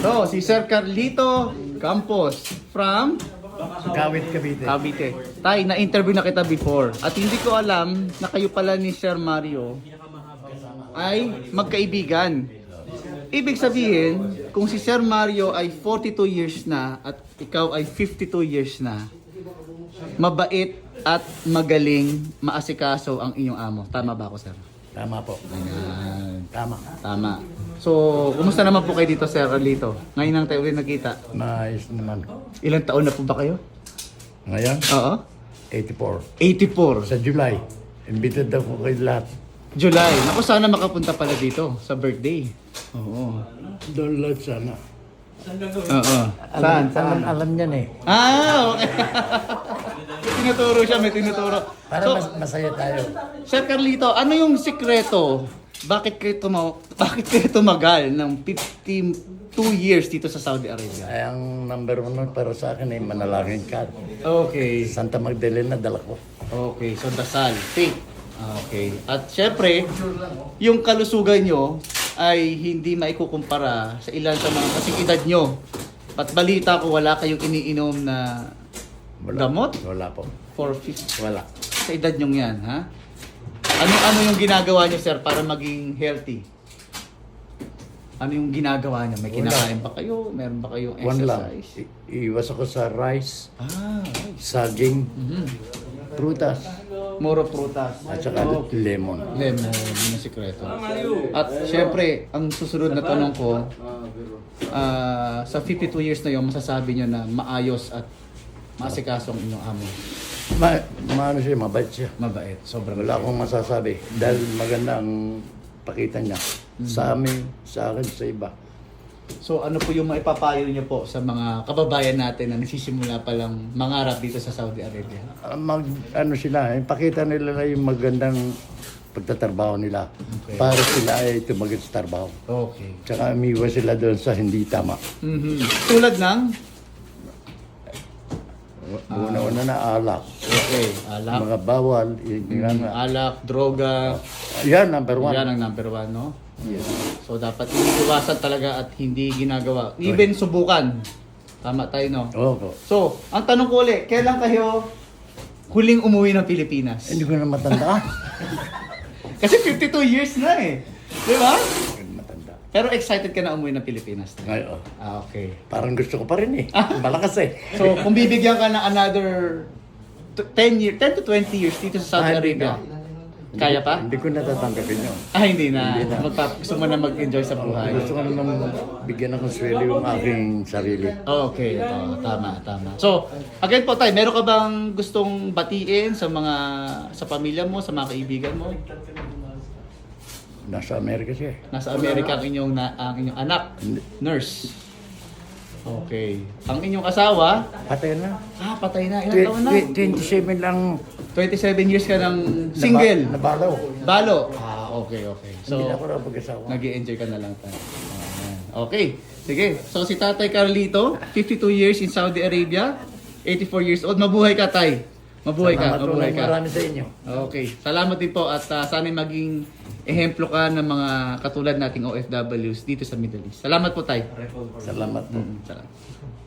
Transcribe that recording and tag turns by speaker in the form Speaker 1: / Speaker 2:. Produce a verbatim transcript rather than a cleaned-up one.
Speaker 1: So, si Sir Carlito Campos from
Speaker 2: Kawit Cavite.
Speaker 1: Cavite. Tay, na-interview na kita before. At hindi ko alam na kayo pala ni Sir Mario ay magkaibigan. Ibig sabihin, kung si Sir Mario ay forty-two years na at ikaw ay fifty-two years na, mabait at magaling maasikaso ang inyong amo. Tama ba ako, Sir?
Speaker 2: Tama po.
Speaker 1: Ayan.
Speaker 2: Tama.
Speaker 1: Tama. So, kumusta naman po kayo dito, Sir Carlito? Ngayon lang tayo ulit nakita.
Speaker 2: Maayos naman.
Speaker 1: Ilang taon na po ba kayo?
Speaker 2: Ngayon,
Speaker 1: Oo.
Speaker 2: eighty-four.
Speaker 1: eighty-four.
Speaker 2: Sa July, invited ako kayo lahat.
Speaker 1: July. Naku, sana makapunta pala dito sa birthday. Oo.
Speaker 2: Doon lahat sana.
Speaker 1: Oo. Saan?
Speaker 2: Alam,
Speaker 1: Saan?
Speaker 2: alam niyan eh.
Speaker 1: Ah, okay. Tinuturo siya, may tinuturo.
Speaker 2: Para
Speaker 1: So,
Speaker 2: mas, masaya tayo.
Speaker 1: Sir Carlito, ano yung sikreto? Bakit kayo tumaw bakit kayo tumagal ng fifty-two years dito sa Saudi Arabia?
Speaker 2: Ay, ang number one nun para sa akin ay manalangin ka.
Speaker 1: Okay.
Speaker 2: Santa Magdalena dala ko.
Speaker 1: Okay, so dasal, faith. Okay. At syempre, yung kalusugan nyo ay hindi maikukumpara sa ilan sa mga kasing edad nyo. At balita ko wala kayong iniinom na
Speaker 2: Wala.
Speaker 1: gamot
Speaker 2: Wala po.
Speaker 1: for fifty
Speaker 2: Wala.
Speaker 1: sa edad nyo yan, ha? Ano-ano yung ginagawa nyo, sir, para maging healthy? Ano yung ginagawa nyo? May
Speaker 2: Wala.
Speaker 1: kinakain ba kayo? Meron ba kayong
Speaker 2: One lang.
Speaker 1: exercise?
Speaker 2: I- iwas ako sa rice,
Speaker 1: Ah, right.
Speaker 2: saging,
Speaker 1: Mhm.
Speaker 2: prutas,
Speaker 1: Moro prutas.
Speaker 2: at saka lemon.
Speaker 1: Lemon, yun ang sikreto. At syempre, ang susunod na tanong ko, ah, sa fifty-two years na yun, masasabi nyo na maayos at maasikaso ang inyong amo.
Speaker 2: Ma maano siya, mabait siya.
Speaker 1: Mabait, sobrang
Speaker 2: Wala akong masasabi dahil maganda ang pakita niya sa amin, sa akin, sa iba.
Speaker 1: So ano po yung maipapayo niyo po sa mga kababayan natin na nagsisimula pa lang mangarap dito sa Saudi Arabia?
Speaker 2: Ah, mag ano sila, eh, pakita nila na yung magandang pagtatrabaho nila
Speaker 1: Okay.
Speaker 2: para sila ay tumagal sa trabaho.
Speaker 1: Okay.
Speaker 2: Tsaka umiwas sila doon sa hindi tama.
Speaker 1: Mhm. Tulad ng?
Speaker 2: Una-una na alak.
Speaker 1: Okay, alak.
Speaker 2: Mga bawal, yung,
Speaker 1: Mhm. Alak, droga.
Speaker 2: yan, number one.
Speaker 1: Yan ang number one, no?
Speaker 2: Yes.
Speaker 1: So dapat iniiwasan talaga at hindi ginagawa. Even subukan. Tama tayo, no?
Speaker 2: Opo.
Speaker 1: So, ang tanong ko ulit, kailan kayo huling umuwi ng Pilipinas?
Speaker 2: Hindi ko na matanda.
Speaker 1: Kasi fifty-two years na eh. Di ba?
Speaker 2: Hindi ko na matanda.
Speaker 1: Pero excited ka na umuwi ng Pilipinas.
Speaker 2: Ngayon,
Speaker 1: Ah, okay.
Speaker 2: parang gusto ko pa rin eh. Malakas eh.
Speaker 1: So, kung bibigyan ka ng another ten years, ten to twenty years dito sa Saudi
Speaker 2: Ah, hindi
Speaker 1: Arabia,
Speaker 2: na.
Speaker 1: kaya pa?
Speaker 2: Hindi ko natatanggapin yun.
Speaker 1: Ah, hindi na.
Speaker 2: Hindi na.
Speaker 1: Magpa- gusto mo na mag-enjoy sa buhay.
Speaker 2: Gusto ko naman bigyan ng konsuelo yung aking sarili.
Speaker 1: Okay, ito. Tama, tama. So, again po tayo, meron ka bang gustong batiin sa mga, sa pamilya mo, sa mga kaibigan mo?
Speaker 2: Nasa Amerika siya eh.
Speaker 1: Nasa Amerika ang inyong, na, ang inyong anak,
Speaker 2: Hindi.
Speaker 1: nurse. Okay. Ang inyong asawa,
Speaker 2: Patay na.
Speaker 1: ah, patay na. Ilang taon na?
Speaker 2: twenty-seven lang
Speaker 1: twenty-seven years ka ng single.
Speaker 2: Naba- Nabalaw.
Speaker 1: Balo. Ah, okay, okay.
Speaker 2: Hindi na
Speaker 1: So,
Speaker 2: ako na pag-asawa.
Speaker 1: nag-i-enjoy ka na lang tayo. Ayan. Okay. Sige. So, si Tatay Carlito, fifty-two years in Saudi Arabia, eighty-four years old. Mabuhay ka, Tay. Mabuhay ka,
Speaker 2: Salamat
Speaker 1: mabuhay
Speaker 2: ulit.
Speaker 1: ka.
Speaker 2: Marami sa inyo.
Speaker 1: Okay. Salamat din po at uh, sana maging ehemplo ka ng mga katulad nating O F Ws dito sa Middle East. Salamat po, Tay.
Speaker 2: Salamat po.
Speaker 1: Mm, salamat.